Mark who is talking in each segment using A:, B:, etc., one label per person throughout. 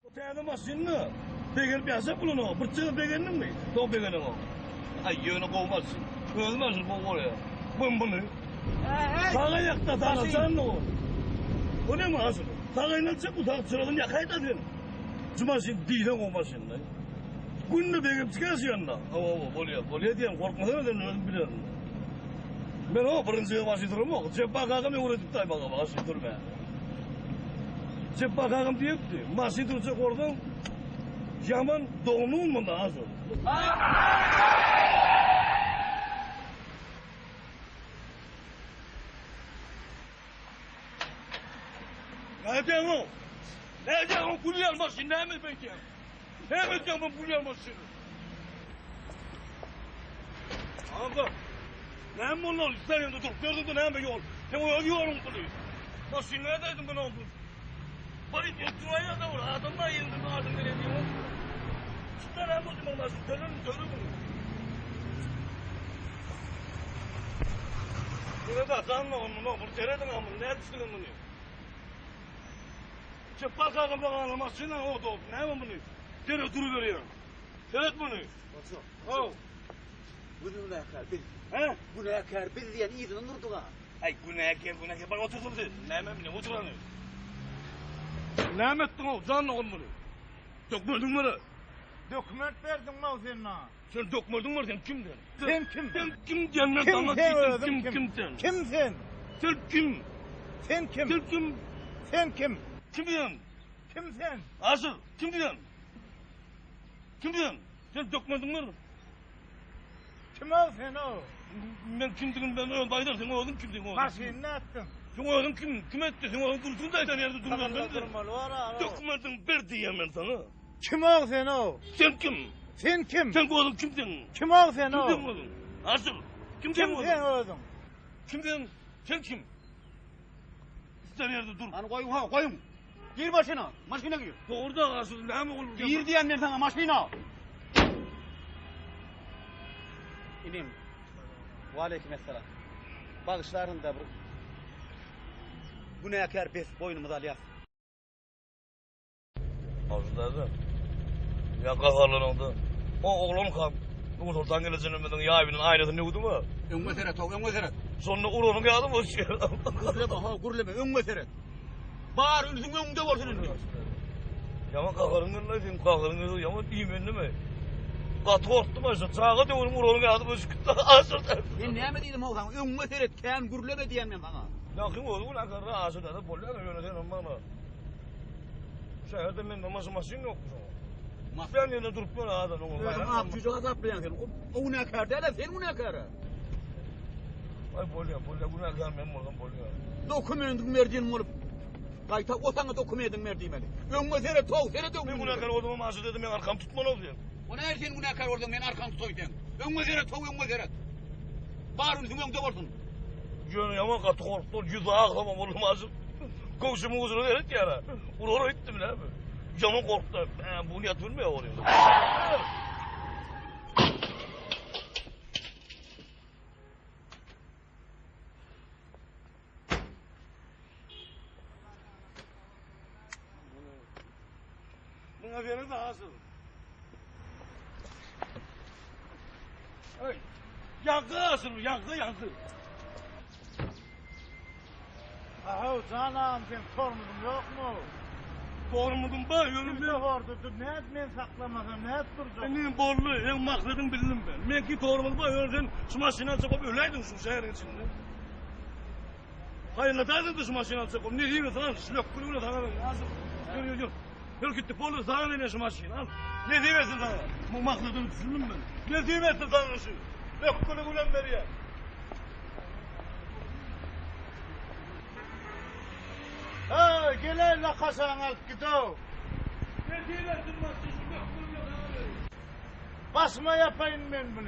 A: Tane maşinni beger piyasa bulunu, bırçığı begenin mi? Doğu begenin o. Ay yönü kovmazsın. Ölmezsin bu oraya. Bunu. Sağa yakta sana sen o. O ne mi asıl? Sağa inatsa bu da sıradan yakayt adın. Cumasın diyden kovmasın da. Gününü begep çıkarsın yanına. Ama bolya diyen korkmadan öden öldüm biliyorum. Ben o birinci başı durum o. Ceppa kakam uğradık da başı durma. Ceppa kakam diyekti. Başı duracak oradan yaman doğumun mu da asıl? Nereden o? Nereden o bulya almasın? Ne mi bekliyorum? Ne bekliyorum ben bulya almasın? Abi, ne mi onlar? Sen yanında dur. Gördün mü ne mi yol? Sen o yolun bunu. Nasıl ne dedim ben oldu? Bari oturmaya da var. Adamlar yerinde mi adım veremiyor? Çıktan hem o zaman nasıl? Dönün bunu. Yine de zanla onu. Bunu teredin ama ne etsin bunu? Çepal kakam bakalım aslında o da ne mi bunu? Tere duru veriyor. Seyret bunu.
B: Hocam. Bu ne yakar bil.
A: He?
B: Bu ne yakar bil diyen iyiden durdu ha.
A: Ay günah bana oturdum dedi. Ne oturanı? Ne ettin o? Zanla onu bunu. Dokmadın mı da?
C: Dokument verdin mi o senin ha?
A: Sen dokmadın mı sen kimden?
C: Sen kim?
A: Sen kim diyenler sana
C: Kim
A: kim sen?
C: Kim sen?
A: Sen kim?
C: Sen kim?
A: Sen kim?
C: Sen kim?
A: Kim diyorsun?
C: Kim sen?
A: Asıl kim diyorsun? Kim diyorsun? Sen dokmadın mı?
C: Kim ol sen o?
A: Ben kim dedim ben öyle baydar sen oğlum kim dedim oğlum?
C: Maşinini attın.
A: Sen oğlum kim etti sen oğlum dursun da sen yerde durman ben dedim.
C: Var.
A: Dokmadın bir diyeyim ben sana.
C: Kim ol sen o?
A: Sen kim?
C: Sen kim?
A: Sen oğlum kimsin?
C: Kim ol sen
A: Kim
C: o?
A: diyorsun oğlum? Asıl kim diyorsun
C: Kim sen
A: oğlum?
C: oldun?
A: Kim diyorsun? Sen kim? Sen yerde dur.
B: Hani koyun. Gir başına. Maşine gir.
A: Orada asıl ne mi olur?
B: Gir diyenler sana maşina. İnim. Ve aleykümselam. Bağışların da bu ne yakar bes boynumuza alyas.
A: Ağzılarda. Ya kafalarında. O oğlum kan. Bu tortan geleceğini bilmeden ya evinin aynasını ne uydu mu?
B: Ön meseret.
A: Sonra uğrunu geldim o şey.
B: Gurleme, ön meseret. Bağır ülsün önünde olsun.
A: Yaman kakarın ne diyeyim kakarın yaman iyi mi mi? Katı orttu başta çağa diyorum uğrunu geldim o şıkkıda asırda.
B: Ben ne mi dedim oğlan? Ön meseret, kendi gurleme diyen ben sana.
A: Yakın oldu bu ne kadar asırda da polyan yöneten bana. Şehirde ben namazı maşin yok mu? Ben yerine durup böyle adam onu.
B: Ne çocuğa zaplayan sen? O ne yakar de sen o ne yakar?
A: Ay polyan bu ne gelmem oradan polyan.
B: Dokumentin verdiğin olup. Kayta o sana dokumentin verdiğim eli. Ön meseret tov, seni de
A: Ben bu ne kadar olduğumu maşin dedim ben arkam tutman oldu yani.
B: O ne her şeyin bu ne yakar oradan ben arkam tutoydum. Ön meseret tov, ön meseret. Bağır ülsün önünde olsun.
A: Yönü yaman katı korktu, yüzü ağlamam oğlum azım. Komşumun uzunu verit yana. Uğruna gittim ne mi? Yaman korktu. Bu niyet bilmiyor oraya. Buna verin de asıl. Ay, yankı asıl, yankı.
C: Aha canım sen sormudun yok mu?
A: Doğrumudun ba, yönümde.
C: Ne vardı? Ne et men saklamasam ne et duracak?
A: Benim borlu, en maksadın bildim ben. Men ki doğrumud ba, yönümden şu maşinan çakıp öleydin şu şehrin içinde. Hayırlataydın da şu maşinan çakıp. Ne diyeyim sana? Şlök kulübüne sana ben. Nasıl? Yürü. Yürü gitti, borlu sana vereyim şu maşini. Al. Ne diyeyim sana? Bu maksadını düşündüm ben. Ne diyeyim sana şu? Şlök kulübüne veriyor.
C: Ha gel la kasan alıp gidiyor.
A: Ne diyeyim maşini? Şlök kulübüne sana vereyim.
C: Basma yapayım ben bunu.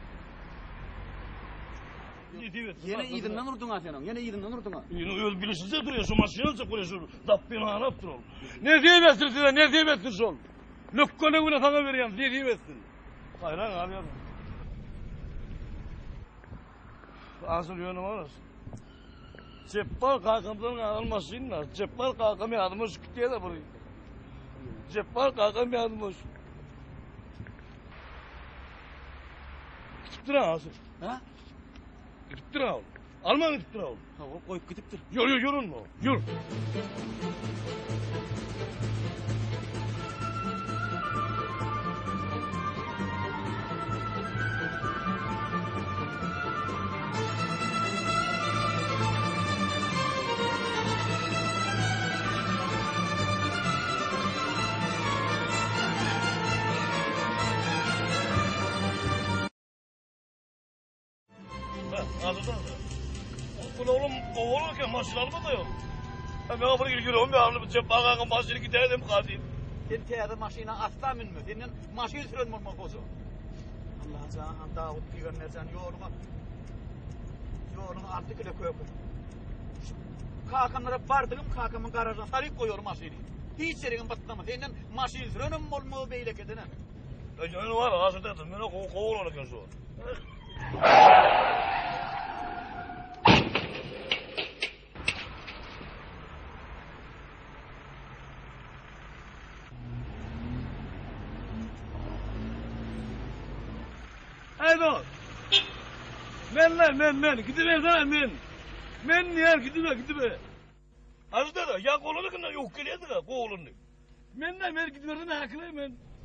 B: Yine iyidinden urdun ha senin. Yine iyidinden urdun ha.
A: Yine öyle bilişince duruyor şu maşini alacak buraya şu dabbini anap durur. Ne diyemezsin size ne diyemezsin son. Lökkone güne sana vereyim ne diyemezsin. Hayran abi ya. Asıl yönü var. Ceppal kalkamdan almasınlar. Ceppal kalkamı adımı sıkıntı da burayı. Ceppar kakam yazmış. Gidip duran asıl.
B: Ha?
A: Gidip duran oğlum. Alman gidip duran oğlum.
B: Ha, o koyup gidipdir.
A: Yorun mu? Yor. Bunu oğlum kovalırken maşın alma da yok. Ben kapıda giriyorum bir anlı bıçak bakanın maşını gidelim kadıyım.
B: Sen teyze maşina asla minme. Senin maşini süren olmak olsun. Allah can Davut peygamber can yoluna. Yoluna artık ile koyup. Kakamlara bardım kakamın garajına sarıp koyuyorum maşini. Hiç yerin batlama. Senin maşini süren olmak beyle kedine.
A: Ben var asıl dedim. Ben kovalırken şu. Haydo. Men. Gidiver sana men. Men niye gidiver. Azda da ya kolunu kına yok geliyordu da kolunu. Men gidiver sana haklı men.